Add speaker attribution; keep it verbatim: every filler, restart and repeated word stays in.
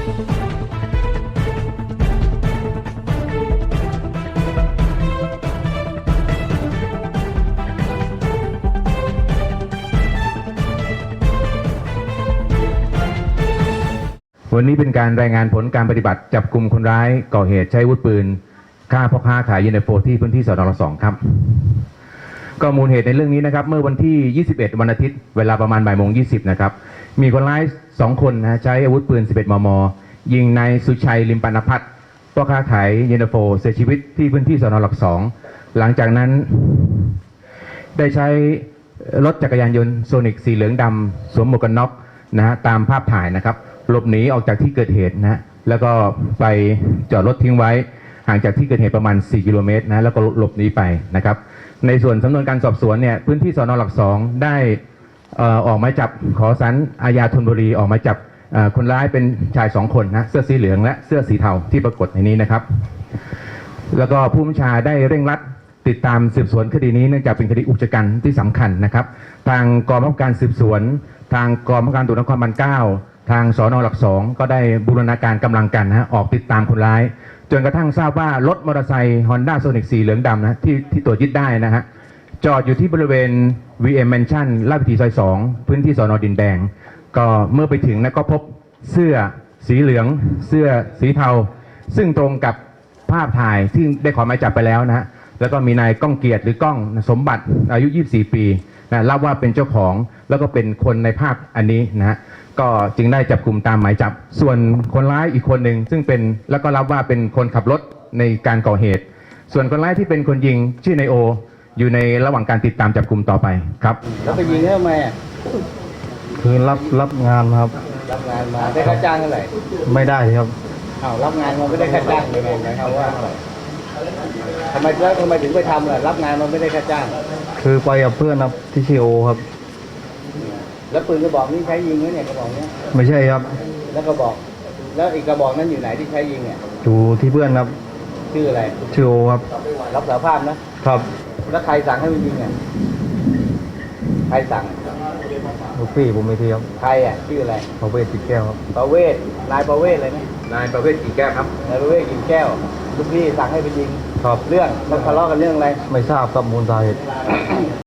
Speaker 1: วันนี้เป็นการรายงานผลการปฏิบัติจับกลุ่มคนร้ายก่อเหตุใช้อาวุธปืนฆ่าพ่อค้าขายยูเนโฟที่พื้นที่สน.สองครับก็มูลเหตุในเรื่องนี้นะครับเมื่อวันที่ยี่สิบเอ็ดวันอาทิตย์เวลาประมาณบ่ายโมงยี่สิบนะครับมีคนร้ายสองคนนะใช้อาวุธปืนสิบเอ็ดมมยิงนายสุชัยลิมปานพัฒน์พ่อค้าขายยูเนโฟเสียชีวิตที่พื้นที่สน.สองหลังจากนั้นได้ใช้รถจักรยานยนต์โซนิกสีเหลืองดำสวมหมวกกันน็อกนะฮะตามภาพถ่ายนะครับหลบหนีออกจากที่เกิดเหตุนะแล้วก็ไปจอดรถทิ้งไว้ห่างจากที่เกิดเหตุประมาณสี่กิโลเมตรนะแล้วก็หลบหนีไปนะครับในส่วนสำนวนการสอบสวนเนี่ยพื้นที่สน.หลักสองได้ออกหมายจับขอศาลอาญาธนบุรีออกหมายจับคนร้ายเป็นชายสองคนนะเสื้อสีเหลืองและเสื้อสีเทาที่ปรากฏในนี้นะครับแล้วก็ผู้บัญชาได้เร่งรัดติดตามสืบสวนคดีนี้เนื่องจากเป็นคดีอุกชะกันที่สำคัญนะครับทางกองบังคับการสืบสวนทางกองบังคับการตำรวจนครบาลเก้าทางสน.หลักสองก็ได้บูรณาการกำลังกันนะฮะออกติดตามคนร้ายจนกระทั่งทราบว่ารถมอเตอร์ไซค์ฮอนด้าโซนิกสีเหลืองดำนะที่ที่ตรวจยึดได้นะฮะจอดอยู่ที่บริเวณ วี เอ็ม Mansion ลาดพิธีซอยสองพื้นที่สน.ดินแดงก็เมื่อไปถึงนะก็พบเสื้อสีเหลืองเสื้อสีเทาซึ่งตรงกับภาพถ่ายที่ได้ขอหมายจับไปแล้วนะฮะแล้วก็มีนายก้องเกียรติหรือก้องสมบัติอายุยี่สิบสี่ปีนะเล่าว่าเป็นเจ้าของแล้วก็เป็นคนในภาพอันนี้นะฮะก็จึงได้จับกลุ่มตามหมายจับส่วนคนร้ายอีกคนหนึ่งซึ่งเป็นแล้วก็รับว่าเป็นคนขับรถในการก่อเหตุส่วนคนร้ายที่เป็นคนยิงชื่อนายโออยู่ในระหว่างการติดตามจับกลุ่มต่อไปครับ
Speaker 2: แล้วไปยิงทำไมอ่ะ
Speaker 3: คือรับรับงานครับ
Speaker 2: รับงานมาได้ค่าจ้างเท่าไหร่
Speaker 3: ไม่ได้ครับ
Speaker 2: อ้าวรับงานมันไม่ได้ค่าจ้างเลยไงนะครับว่าทำไมแล้วทำไมถึงไปทำล่ะรับงานมันไม่ได้ค่าจ้าง
Speaker 3: คือไปกับเพื่อนครับที่ชื่อโอครับ
Speaker 2: แล้วปืนกระบอกนี้ใช้ยิงไหมเนี่ยกระบอกนี้
Speaker 3: ไม่ใช่ครับ
Speaker 2: แล้วกระบอกแล้วอีกกระบอกนั้นอยู่ไหนที่ใช้ยิงเนี่ย
Speaker 3: อยู่ที่เพื่อนครับ
Speaker 2: ชื่ออะไร
Speaker 3: ชื่อโอครับ
Speaker 2: รับสารภาพนะครับแล้วใครสั่งให้มันยิงอ่ะใครสั่ง
Speaker 3: ลูกพี่ผมไม่ทีครับ
Speaker 2: ใครอ่ะชื่ออะไร
Speaker 3: ประเวศกิ่งแก้วครับ
Speaker 2: ประเวศนายประเวศอะไรนะ
Speaker 1: นายประเวศกิ่งแก้วครับ
Speaker 2: นายประเวศกิ่งแก้วลูกพี่สั่งให้ไปยิง
Speaker 3: ครับ
Speaker 2: เรื่องมันทะเลาะกันเรื่องอะไร
Speaker 3: ไม่ทราบครับมูลสาเหตุ